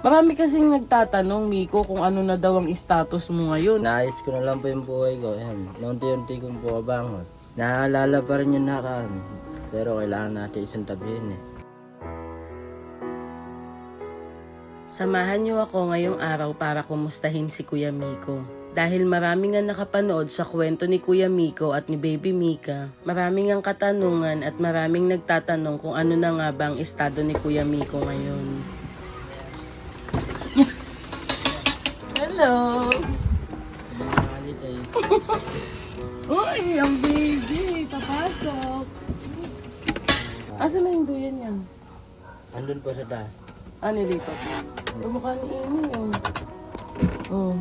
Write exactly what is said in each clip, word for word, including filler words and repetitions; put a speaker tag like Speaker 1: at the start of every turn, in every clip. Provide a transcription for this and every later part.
Speaker 1: Marami kasing nagtatanong, Miko, kung ano na daw ang status mo ngayon.
Speaker 2: Naayos ko na lang po yung buhay ko. Ayan, unti-unti kong po kabangon. Naaalala pa rin yung nakaraan. Pero kailangan natin isang tabihin eh.
Speaker 1: Samahan niyo ako ngayong araw para kumustahin si Kuya Miko. Dahil marami nga nakapanood sa kwento ni Kuya Miko at ni Baby Mika, maraming ang katanungan at maraming nagtatanong kung ano na nga ba ang estado ni Kuya Miko ngayon. Hello! Uy, ang baby! Papasok! Asa na yung duyan yan?
Speaker 2: Andun po sa taas.
Speaker 1: Ah, nilipat mo. Tumukha ni Amy yun. Oh.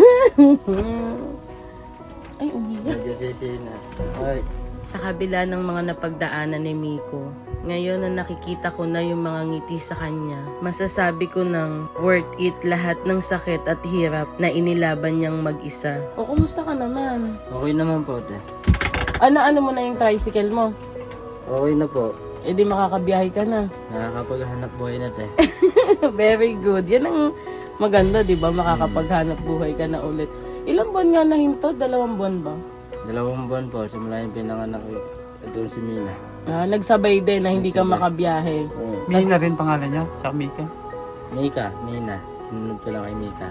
Speaker 1: Ay, umiyak.
Speaker 2: Medyo sisi na. Ay,
Speaker 1: Sa kabila ng mga napagdaanan ni Miko, ngayon na nakikita ko na yung mga ngiti sa kanya, masasabi ko nang worth it lahat ng sakit at hirap na inilaban niyang mag-isa. O, kumusta ka naman?
Speaker 2: okay naman po, te.
Speaker 1: Ano-ano mo na yung tricycle mo?
Speaker 2: Okay na po.
Speaker 1: E di makakabiyahe ka na.
Speaker 2: Nakakapaghanap buhay na, te.
Speaker 1: Very good. Yan ang maganda, di ba? Makakapaghanap buhay ka na ulit. Ilang buwan nga na hinto? Dalawang buwan ba?
Speaker 2: Dalawang buwan po, simula yung pinanganak ko. Ito si Mina.
Speaker 1: Ah, nagsabay din na hindi ka
Speaker 2: Nagsabay.
Speaker 1: makabiyahe.
Speaker 2: Oo.
Speaker 3: Mina rin pangalan niya, tsaka Mika.
Speaker 2: Mika, Mina. Sinunod ko lang kay Mika.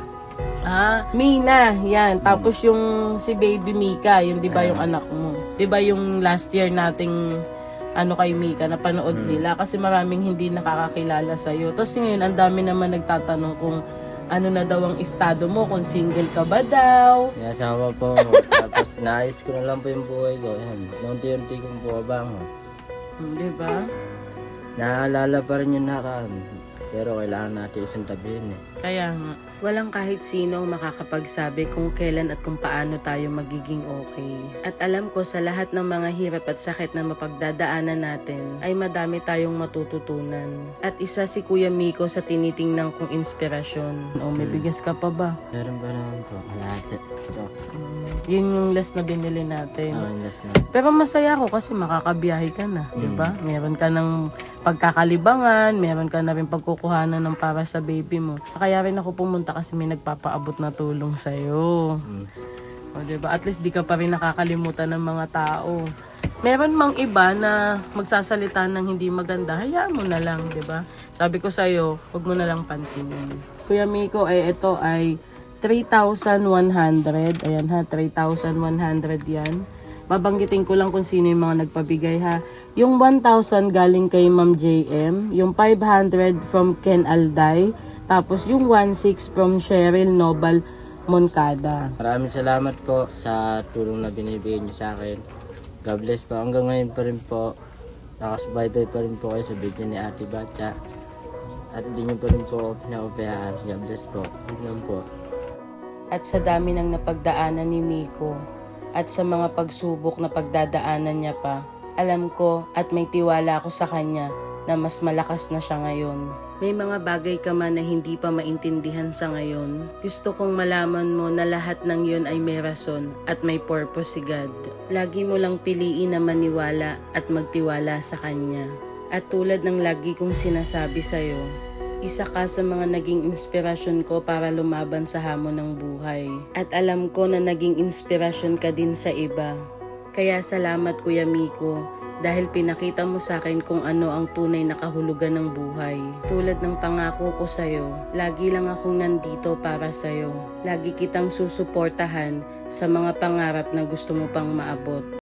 Speaker 1: Ah, Mina, yan. Tapos yung si Baby Mika, yung 'di ba yung
Speaker 2: Ah.
Speaker 1: anak mo? 'Di ba yung last year nating ano kay Mika na panood
Speaker 2: Hmm.
Speaker 1: nila kasi maraming hindi nakakakilala sa iyo. Tapos ngayon ang dami naman nagtatanong kung ano na daw ang estado mo, kung single ka ba daw.
Speaker 2: May asawa po ako. Tapos naayos ko na lang po yung buhay ko. Ayan, unti-unti kong po kabangon.
Speaker 1: Hmm, 'Di ba?
Speaker 2: Naaalala pa rin yung nakaraan. Pero kailangan natin isang tabihin eh.
Speaker 1: Kaya nga, walang kahit sino ang makakapagsabi kung kailan at kung paano tayo magiging okay. At alam ko sa lahat ng mga hirap at sakit na mapagdadaanan natin, ay madami tayong matututunan. At isa si Kuya Miko sa tinitingnan kong inspirasyon. O, may bigas ka pa ba?
Speaker 2: Meron ba naman po? Lahat. Ito.
Speaker 1: Mm, yun yung last na binili natin.
Speaker 2: Oh, last na.
Speaker 1: Pero masaya ako kasi makakabiyahe ka na, di ba? Meron ka ng pagkakalibangan, meron ka na rin pagkukuhanan ng para sa baby mo. Kaya rin ako pumunta kasi may nagpapaabot na tulong sa'yo.
Speaker 2: Mm.
Speaker 1: O, di ba? At least di ka pa rin nakakalimutan ng mga tao. Meron mang iba na magsasalita ng hindi maganda, hayaan mo na lang, di ba? Sabi ko sa'yo, huwag mo na lang pansinin. Kuya Miko, eh, ito ay three thousand one hundred. Ayan ha, three thousand one hundred yan. Babanggitin ko lang kung sino yung mga nagpabigay ha. Yung one thousand galing kay Ma'am J M. Yung five hundred from Ken Alday. Tapos yung one six from Cheryl Nobal Moncada.
Speaker 2: Maraming salamat po sa tulong na binibigay niyo sa akin. God bless po. Hanggang ngayon pa rin po. Nakasubaybay pa rin po kayo sa video ni Ate Batcha. At hindi niyo pa rin po ako pinaupayaan. God bless po. Hanggang po.
Speaker 1: At sa dami ng napagdaanan ni Miko at sa mga pagsubok na pagdadaanan niya pa, alam ko at may tiwala ako sa kanya na mas malakas na siya ngayon. May mga bagay ka man na hindi pa maintindihan sa ngayon. Gusto kong malaman mo na lahat ng yun ay may rason at may purpose si God. Lagi mo lang piliin na maniwala at magtiwala sa Kanya. At tulad ng lagi kong sinasabi sa'yo, isa ka sa mga naging inspirasyon ko para lumaban sa hamon ng buhay. At alam ko na naging inspirasyon ka din sa iba. Kaya salamat Kuya Miko, dahil pinakita mo sa akin kung ano ang tunay na kahulugan ng buhay. Tulad ng pangako ko sa'yo, lagi lang akong nandito para sa'yo. Lagi kitang susuportahan sa mga pangarap na gusto mo pang maabot.